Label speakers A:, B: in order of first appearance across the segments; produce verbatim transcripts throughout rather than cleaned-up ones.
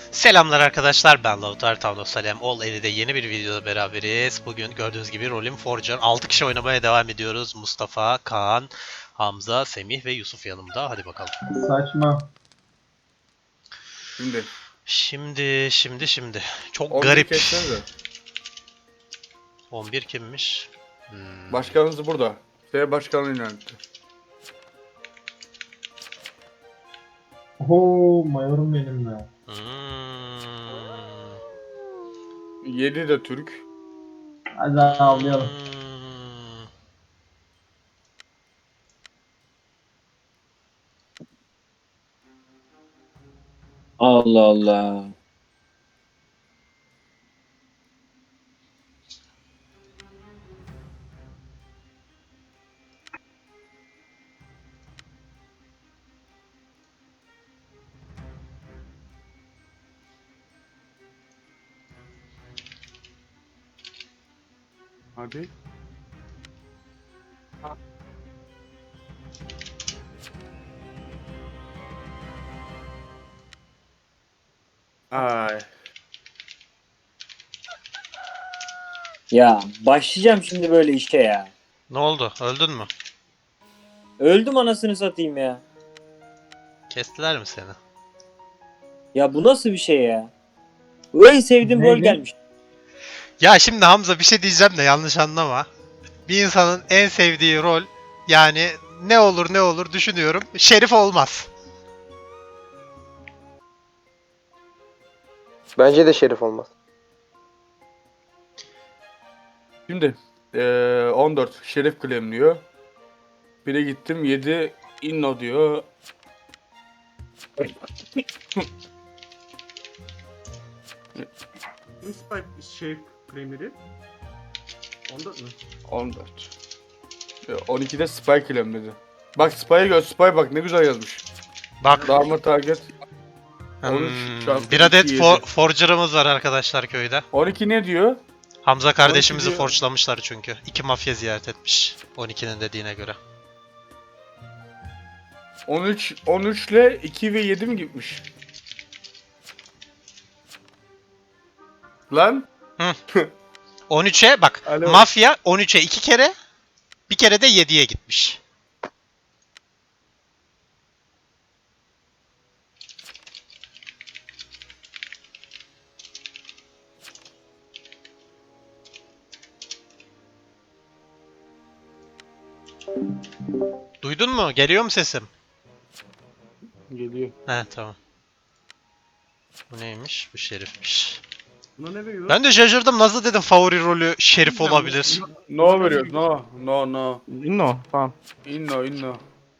A: Selamlar arkadaşlar, ben Lautaro Town of Salem. All Ali'de yeni bir videoda beraberiz. Bugün gördüğünüz gibi Rolling Forger altı kişi oynamaya devam ediyoruz. Mustafa, Kaan, Hamza, Semih ve Yusuf yanımda. Hadi bakalım.
B: Saçma.
C: Şimdi
A: Şimdi, şimdi, şimdi. Çok
C: on bir
A: garip.
C: kessenize.
A: on bir kimmiş? Hmm.
C: Başkanınız burada. F başkanı yöneltti.
B: Oho mayorum benim be.
A: Hmm.
C: yedi de Türk.
B: Hadi avlayalım.
A: Hmm.
D: Allah Allah.
C: Hadi. Ay.
D: Ya başlayacağım şimdi böyle işe ya.
A: Ne oldu? Öldün mü?
D: Öldüm anasını satayım ya.
A: Kestiler mi seni?
D: Ya bu nasıl bir şey ya? Bu en sevdiğim rol
B: Neydi?
D: gelmiş.
A: Ya şimdi Hamza bir şey diyeceğim de yanlış anlama. Bir insanın en sevdiği rol yani ne olur ne olur düşünüyorum. Şerif olmaz.
E: Bence de Şerif olmaz.
C: Şimdi eee on dört Şerif claimliyor. Bire gittim yedi Inno diyor.
F: Kim Spike şey claimleri? Onda mı?
C: on dört. E, on ikide Spy claimledi. Bak Spy'ı gör. Spy bak ne güzel yazmış.
A: Bak
C: Darma target. on üç
A: hmm,
C: çarpı
A: bir adet
C: iki,
A: for,
C: yedi.
A: forger'ımız var arkadaşlar köyde.
C: on iki ne diyor?
A: Hamza kardeşimizi
C: diyor.
A: forçlamışlar çünkü. İki mafya ziyaret etmiş. on ikinin dediğine göre.
C: on üç on üç ile iki ve yedi mi gitmiş? Lan
A: on üçe bak
C: Alo.
A: mafya on üçe iki kere bir kere de yediye gitmiş. Duydun mu? Geliyor mu sesim?
C: geliyor.
A: He tamam. Bu neymiş? Bu şerifmiş.
F: Buna ne veriyor?
A: Ben de şaşırdım. Nasıl dedim favori rolü şerif olabilir.
C: No veriyor. No. No no.
F: Inno tamam.
C: Inno inno.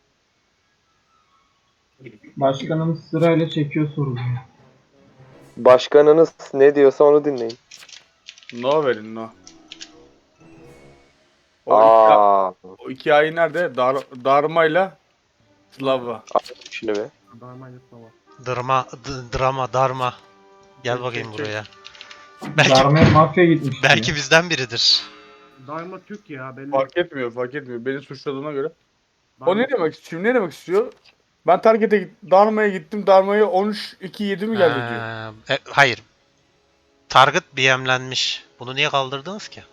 B: Başkanımız sırayla çekiyor soruyu.
E: Başkanınız ne diyorsa onu dinleyin.
C: No verin no. O iki,
E: Aa,
C: o iki ay nerede? Dar, darmayla Slava.
E: şimdi be.
F: Darmayla sava.
A: Drama, d- drama, darma. Gel
C: Çek,
A: bakayım
C: çek, çek.
A: buraya. Belki
B: Darmaya mafya gitmiş.
A: belki bizden biridir.
F: Darma Türk ya belli.
C: Fark etmiyor, fark etmiyor. Beni suçladığına göre.
F: Darma-
C: O ne demek istiyor? Ne demek istiyor? Ben target'e git, Darma'ya gittim. Darma'ya on üç iki yedi mi geldi diyor.
A: Ee, e, hayır. Target B M'lenmiş. Bunu niye kaldırdınız ki?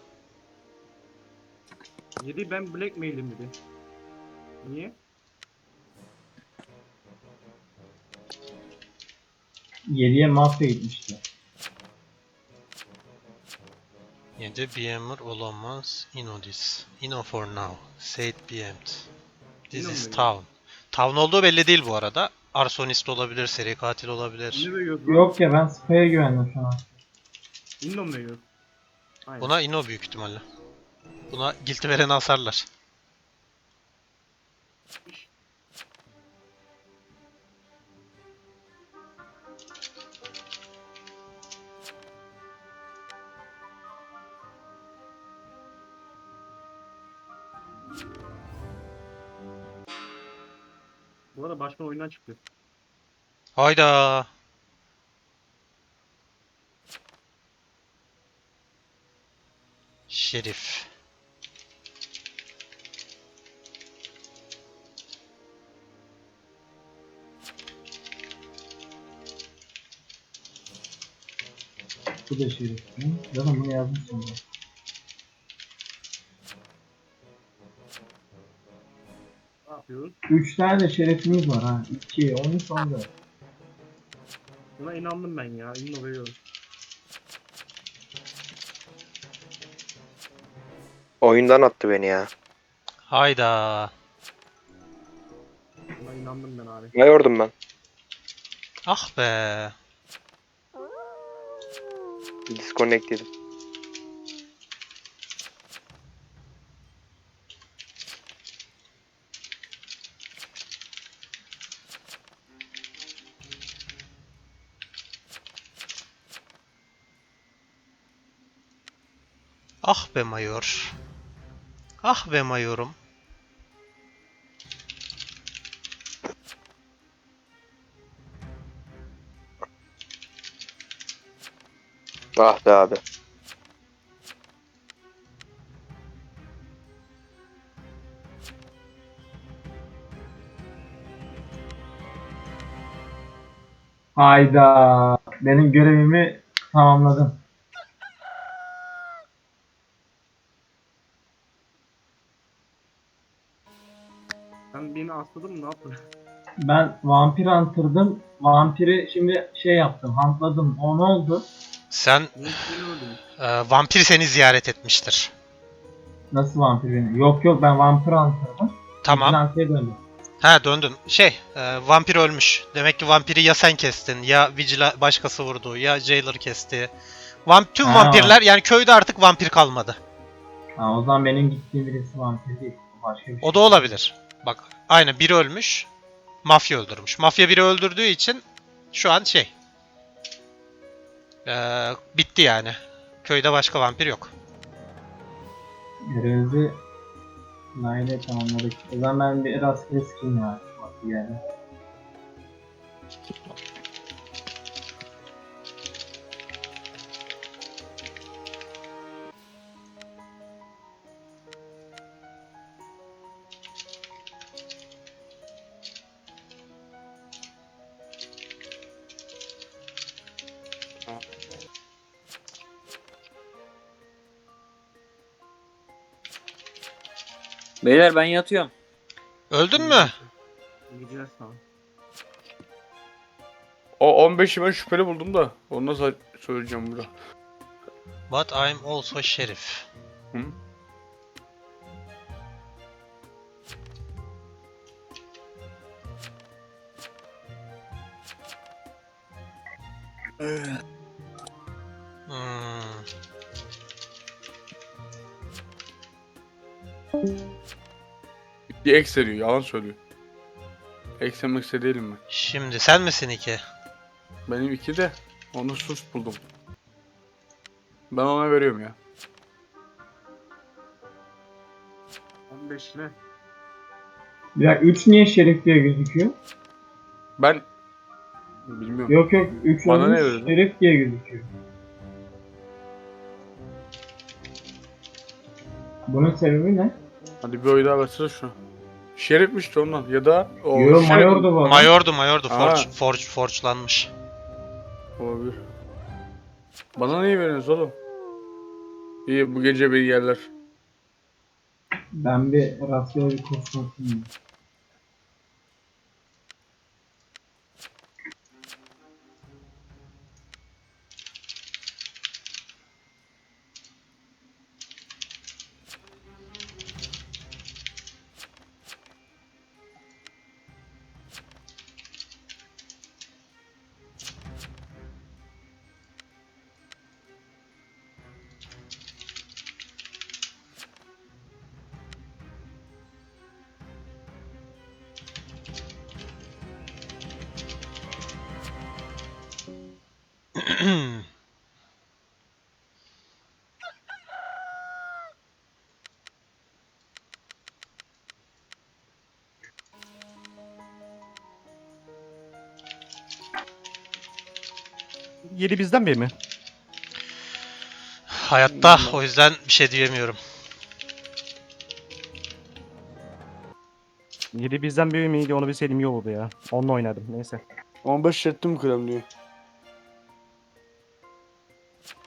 F: Yedi ben blackmail'im dedi. Niye?
B: yediye mafya gitmişti.
A: yedi B M'er olamaz. Inodis. Ino for now. Said B M'd. This
F: Ino
A: is
F: mu?
A: town. Town olduğu belli değil bu arada. Arsonist olabilir, seri katil olabilir.
F: Ne veriyor?
B: Yok ya ben Spy'a güvendim şu an.
F: Inno mu veriyor? Aynen.
A: Buna Ino büyük ihtimalle. Buna guilty vereni asarlar.
F: Bu arada başkan oyundan çıktı.
A: Hayda. Şerif.
B: Bu da şerif. Hı? Zaten bunu yazmışım ben.
F: Ne yapıyoruz?
B: Üç tane de şerefimiz var ha. iki, on üç, on dört.
F: Buna inandım ben ya. İnno veriyorum.
E: Oyundan attı beni ya.
A: Hayda.
F: Buna inandım ben abi.
E: Ne yordum ben?
A: Ah be.
E: Disconnect dedim.
A: Ah be Mayor. Ah be Mayor'um.
E: Ah be abi.
B: Hayda. Benim görevimi tamamladım.
F: Sen beni asladın mı? Ne yaptın?
B: Ben vampir hunter'dım. Vampiri şimdi şey yaptım. Huntladım. O ne oldu?
A: Sen
F: Niye beni öldün?
A: e, vampir seni ziyaret etmiştir.
B: Nasıl vampir beni? Yok yok ben vampir hunter'dım.
A: Tamam.
B: Vigilante'ye döndüm.
A: Ha döndün. Şey, e, vampir ölmüş. Demek ki vampiri ya sen kestin, ya Vigila başkası vurdu, ya Jailer kesti. Vamp tüm
B: Ha.
A: vampirler, yani köyde artık vampir kalmadı.
B: Ha, o zaman benim gittiğim birisi vampir değil. Başka bir şey.
A: O da olabilir. Bak, aynen biri ölmüş. Mafya öldürmüş. Mafya biri öldürdüğü için şu an şey. e, bitti yani. Köyde başka vampir yok.
B: Görevimizi layla tamamladık. O zaman ben bir rastgele skin ya. Bak yani.
D: Beyler ben yatıyorum.
A: Öldün mü?
F: İyi geceler sana.
C: O on beşi ben şüpheli buldum da. Onu nasıl söyleyeceğim burada?
A: But I'm also sheriff.
C: Hı?
A: Hmm.
C: Bir X veriyor. Yalan söylüyor. X'e X'e değilim ben.
A: Şimdi sen misin iki?
C: Benim iki de onu sus buldum. Ben ona veriyorum ya.
F: on beş ne?
B: Ya üç niye şerif diye gözüküyor?
C: Ben bilmiyorum.
B: Yok yok üç
C: Bana
B: olmuş
C: ne verdin?
B: şerif diye gözüküyor. Bunun sebebi ne?
C: Hadi bir oy daha versene şuna. Şerifmiş de ondan ya da o
B: Yo
C: şerif-
B: mayordu bu adam.
A: Mayordu, mayordu.
C: Aa.
A: Forge, forge, forge'lanmış.
C: Olabilir. Bana neyi veriyorsunuz oğlum? İyi bu gece beni yerler.
B: Ben bir rastgele bir kurşun atayım.
G: Yedi bizden biri mi?
A: Hayatta, o yüzden bir şey diyemiyorum.
G: Yedi bizden biri miydi onu bilseydim iyi olurdu ya. Onunla oynadım neyse.
C: on beş ettim krem diyor.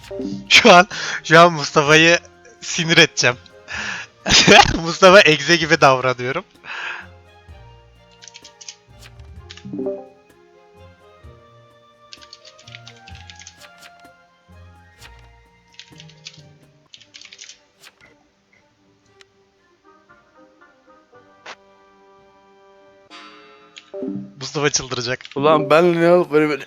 A: Şu an şu an Mustafa'yı sinir edeceğim. Mustafa egze gibi davranıyorum. Mustafa çıldıracak.
C: Ulan ben ne alıp böyle böyle.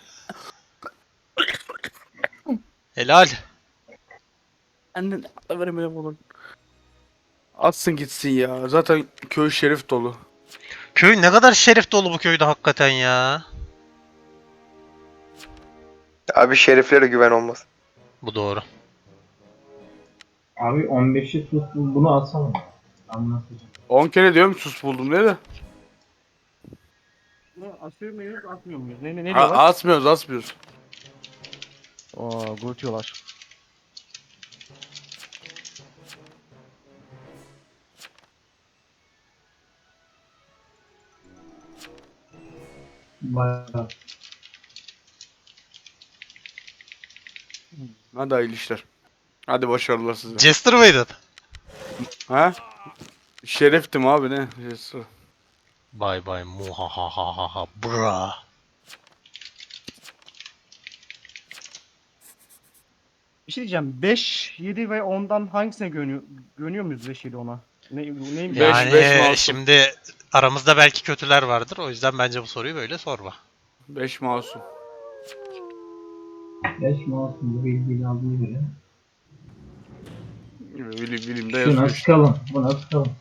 A: Helal.
C: Anne ne alıp böyle böyle olur. Atsın gitsin ya. Zaten köy şerif dolu.
A: Köy ne kadar şerif dolu bu köyde hakikaten ya.
E: Abi şeriflere güven olmaz.
A: Bu doğru.
B: Abi on beşi sus bunu atsana. Anlatacağım.
C: on kere diyorum sus buldum ne de.
G: Bunu asıyor muyuz, atmıyor muyuz? Ne, ne, ne
C: A-
G: diyorlar?
C: asmıyoruz asmıyoruz.
G: Aa, grutuyorlar.
B: Bayağı.
C: Hadi hayırlı işler. Hadi başarılar size.
A: Jester mıydın?
C: Ha? Şereftim abi ne? Jester.
A: Bye bye muhahahaha bra.
G: Bir şey diyeceğim. beş, yedi ve ondan hangisine güveniyor, güveniyor muyuz beş, yedi, ona? Ne, neymiş?
C: Beş,
A: Yani
C: beş masum.
A: şimdi aramızda belki kötüler vardır. O yüzden bence bu soruyu böyle sorma.
C: beş masum.
B: beş mouse'un bilgiyi aldığı göre.
C: Bilim, bilimde
B: Şuna
C: yazıyor.
B: sıkalım. Buna sıkalım.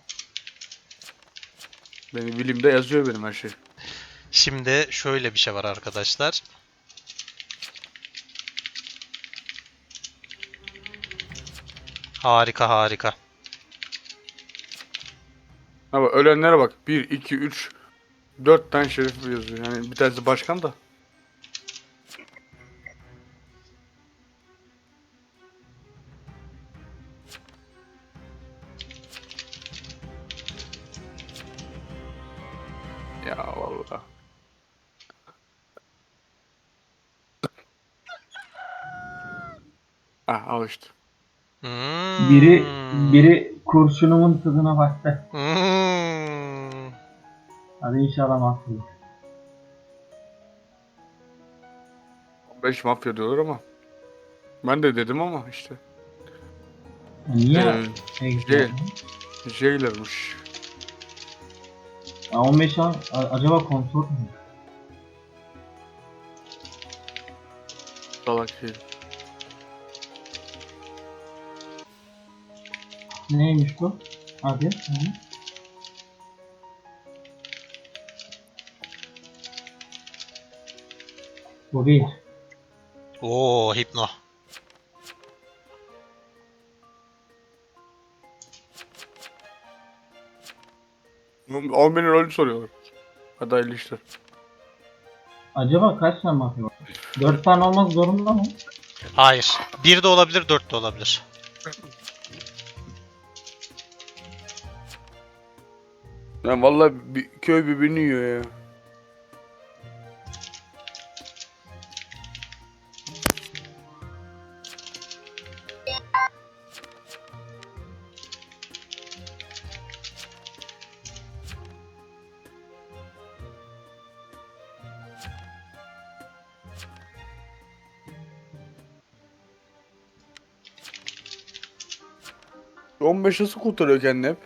C: Benim bilimde yazıyor benim her şey.
A: Şimdi şöyle bir şey var arkadaşlar. Harika harika.
C: Ama ölenlere bak. bir, iki, üç, dört tane şerif yazıyor. Yani bir tanesi başkan da. Ya vallahi. Ah al işte.
A: Hmm.
B: Biri biri kurşunumun tadına baktı.
A: Hmm.
B: Hadi inşallah mahvolur.
C: beş mafya diyorlar ama. Ben de dedim ama işte.
B: Niye?
C: Ee,
B: Ee,
C: şey- Jailer'mış.
B: on beş an a- acaba kontrol mü?
C: Salak şey.
B: Neymiş bu? Hadi. Hı. Bu bir.
A: Oo hipno.
C: on binin rolü soruyorlar. Hadi hayırlı işler.
B: Acaba kaç tane mafya var? Dört tane olmak zorunda mı?
A: Hayır. Bir de olabilir, dört de olabilir.
C: Yani vallahi bir, köy birbirini yiyor ya. on beş nasıl kurtarıyor kendini hep?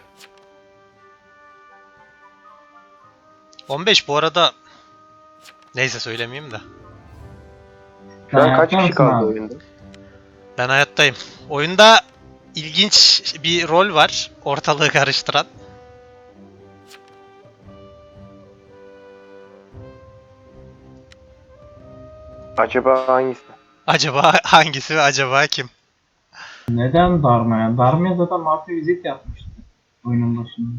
A: on beş bu arada... Neyse söylemeyeyim de.
E: Şu an
B: Sen
E: kaç
B: hayatta
E: kişi
B: mısın
E: kaldı
B: abi?
E: oyunda?
A: Ben hayattayım. Oyunda ilginç bir rol var. Ortalığı karıştıran.
E: Acaba hangisi?
A: Acaba hangisi ve acaba kim?
B: Neden Darma'ya? Darma'ya zaten mafya vizit yapmıştı. Oyunun başında.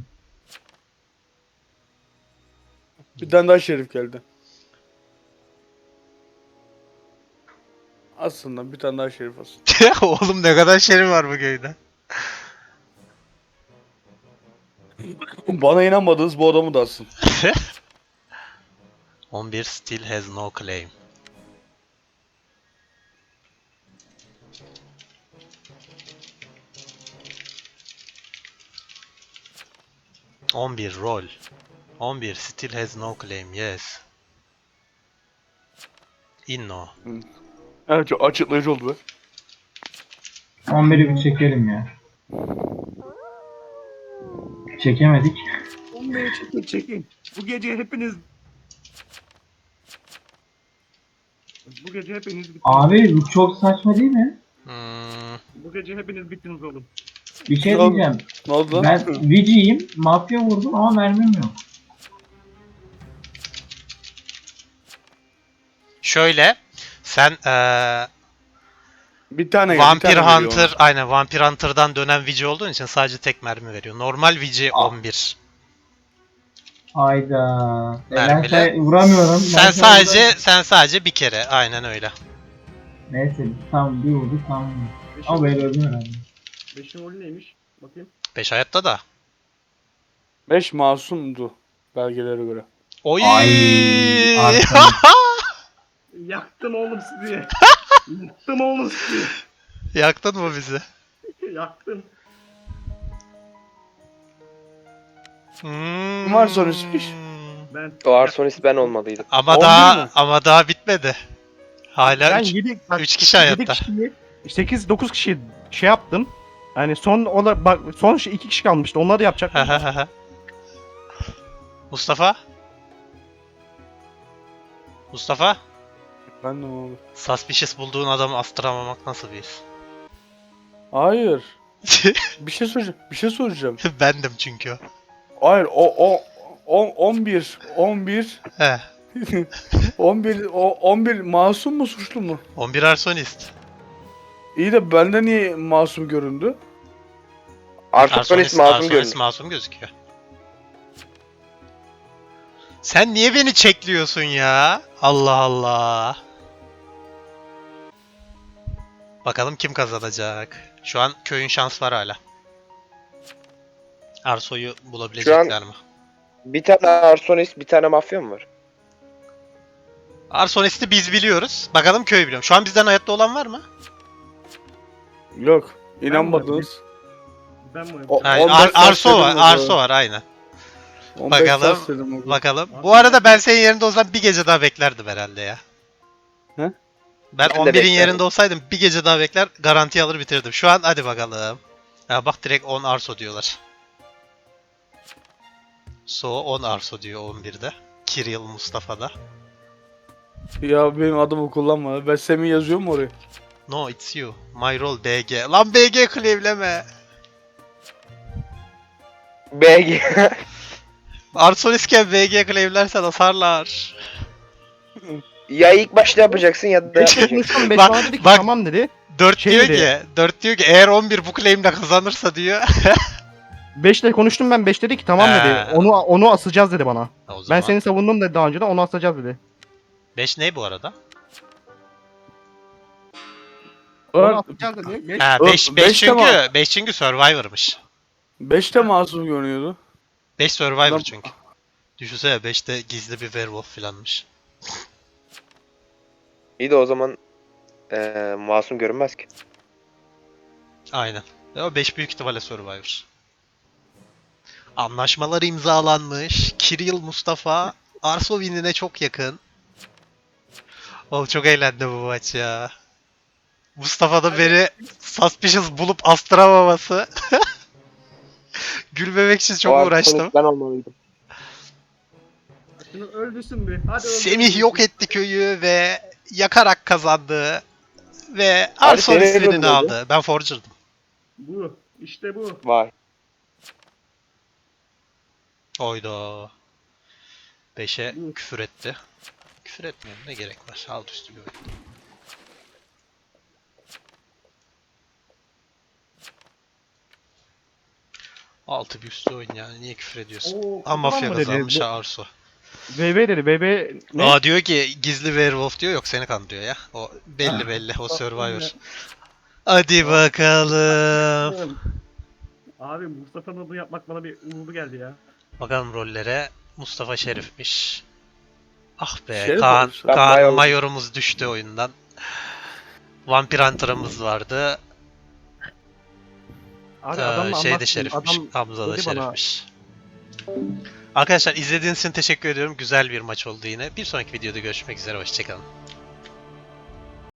C: Bir tane daha şerif geldi. Aslında bir tane daha şerif aslında.
A: Oğlum ne kadar şerif var bu köyde.
C: Bana inanmadınız bu adamı da asın.
A: on bir still has no claim. on bir rol. on bir still has no claim. Yes. Inno.
C: Evet, çok açıklayıcı oldu be.
B: on biri bir çekelim ya. Çekemedik.
G: on biri çekin çekin. Bu gece hepiniz Bu gece hepiniz bittiniz.
B: Abi bu çok saçma değil mi?
A: Hmm,
G: Bu gece hepiniz bittiniz oğlum.
B: Bir şey
C: Ne oldu?
B: diyeceğim.
C: Ne oldu lan?
B: Ben Vici'yim. Mafya vurdum ama mermim yok.
A: şöyle. Sen eee
C: Bir tane
A: Vampir
C: bir tane veriyor
A: Hunter, aynen Vampir Hunter'dan dönen Vici olduğun için sadece tek mermi veriyor. Normal Vici
B: Aa.
A: on bir.
B: Hayda. E ben
A: Mermile.
B: say- vuramıyorum. Ben
A: Sen
B: say-
A: sadece sen sadece bir kere. Aynen öyle.
B: Neyse tam bir vurdu tamam.
G: Beşin,
B: Ama ben öldüm herhalde.
G: beşin rolü neymiş? Bakayım.
A: beş hayatta da.
C: beş masumdu belgelere göre.
A: Oy!
B: Ay, arkadan.
G: Yaktım oğlum sizi. Yaktım oğlum sizi.
A: Yaktın mı bizi?
G: Yaktım.
A: Hmm.
C: Kim var sonuçmuş?
G: Ben
E: O arsonist ben olmalıydım.
A: Ama
C: On
A: daha
C: bir mi?
A: ama daha bitmedi. Hala
G: ben
A: üç
G: yedi
A: üç kişi hayatta.
G: sekiz dokuz kişi şey yaptım. Hani son ola bak son şey iki kişi kalmıştı. Onları yapacaktım.
A: Mustafa? Mustafa?
C: Ben de abi.
A: Suspicious bulduğun adamı astıramamak nasıl bir his?
C: Hayır. Bir şey soracağım. Bir şey soracağım.
A: Bendim çünkü o.
C: Hayır o o on on bir on bir
A: He.
C: on bir o on bir masum mu suçlu mu?
A: on bir arsonist.
C: İyi de bende niye masum göründü?
E: Arsonist masum
A: arsonist
E: görünüyor.
A: masum gözüküyor. Sen niye beni çekliyorsun ya? Allah Allah. Bakalım kim kazanacak. Şu an köyün şans var hala. Arso'yu bulabilecekler mi?
E: Bir tane arsonist, bir tane mafya mı var?
A: Arsonist'i biz biliyoruz. Bakalım köy biliyor. Şu an bizden hayatta olan var mı?
C: Yok. İnanmadınız.
G: Ben mi?
C: O-
A: Hayır,
C: on beş
A: Ar-
C: saat
A: Arso
C: dedim
A: var.
C: o zaman.
A: Arso var aynen.
C: on beş
A: Bakalım,
C: saat dedim o zaman.
A: Bakalım. Bu arada ben senin yerinde olsam bir gece daha beklerdim herhalde ya.
C: He?
A: Ben
E: de
A: on birin
E: beklerdim.
A: yerinde olsaydım bir gece daha bekler garanti alır bitirdim. Şu an hadi bakalım. Ya bak direkt on Arso diyorlar. So on Arso diyor on birde. Kirill Mustafa'da.
C: Ya benim adımı kullanma. Ben Semih yazıyorum oraya.
A: No it's you. My role B G. Lan B G claimleme.
E: B G.
A: Arsonistken B G claimlersen hasarlar.
E: Ya ilk başta yapacaksın ya da
G: Beş
E: yapmayacaksın.
G: konuştum. Beş
A: Bak-
G: bana dedi ki
A: bak-
G: tamam dedi.
A: dört
G: Şey
A: diyor
G: dedi.
A: ki, dört diyor ki eğer on bir bu claimle kazanırsa diyor.
G: beşle konuştum ben. beş dedi ki tamam
A: He.
G: dedi. Onu onu asacağız dedi bana.
A: O
G: Ben
A: zaman.
G: seni savundum dedi daha önce de onu asacağız dedi.
A: beş ne bu arada?
G: Onu
C: Ömer,
G: asacağız dedi. Beş-
A: Ha
C: Ö-
A: beş,
C: beş
A: beş çünkü
C: tamam.
A: beş çünkü Survivor'mış.
C: beş de masum görünüyordu.
A: beş Survivor
C: Lan-
A: çünkü. Düşünsene beşte gizli bir werewolf filanmış.
E: İyi de o zaman eee masum görünmez ki.
A: Aynen. Ve o beş büyük ihtimalle Survivor. Anlaşmalar imzalanmış. Kirill Mustafa Arso winine çok yakın. Oğlum çok eğlendim bu maç ya. Mustafa da beni suspicious bulup astıramaması. Gülmemek için çok
E: O
A: uğraştım.
E: arsonist ben olmalıydım.
G: Şunu öldürsün bir. Hadi
A: Semih yok etti köyü ve yakarak kazandı. Ve
E: Abi
A: Arso
E: senin
A: winini
E: rolün neydi?
A: aldı. Ben Forger'dım.
G: Bu. İşte bu.
E: Vay.
A: Oyda. beşe
G: Hı.
A: küfür etti. Küfür etmiyorum ne gerek var. Alt üstü bir oyun. Altı bir üstü oyun yani niye küfür ediyorsun?
G: Oo,
A: Ama mafya
G: mı dedi?
A: kazanmış
G: Bu-
A: ha Arso.
G: B B dedi. B B ne?
A: Aa diyor ki gizli werewolf diyor yok seni kandırıyor ya. O belli belli o Survivor. Hadi bakalım.
G: Abi Mustafa'nın bunu yapmak bana bir uğurlu geldi ya.
A: Bakalım rollere. Mustafa Şerif'miş. Ah be
C: Şerif
A: Kaan,
C: olmuş.
E: Ben
A: Kaan
E: Mayor-
A: Mayor'umuz düştü oyundan. Vampir Hunter'ımız vardı.
G: Abi
A: Ee,
G: adamla
A: şey de
G: anlattım.
A: Şerif'miş.
G: Adam
A: Hamza da
G: dedi bana-
A: Şerif'miş. Arkadaşlar izlediğiniz için teşekkür ediyorum. Güzel bir maç oldu yine. Bir sonraki videoda görüşmek üzere. Hoşçakalın.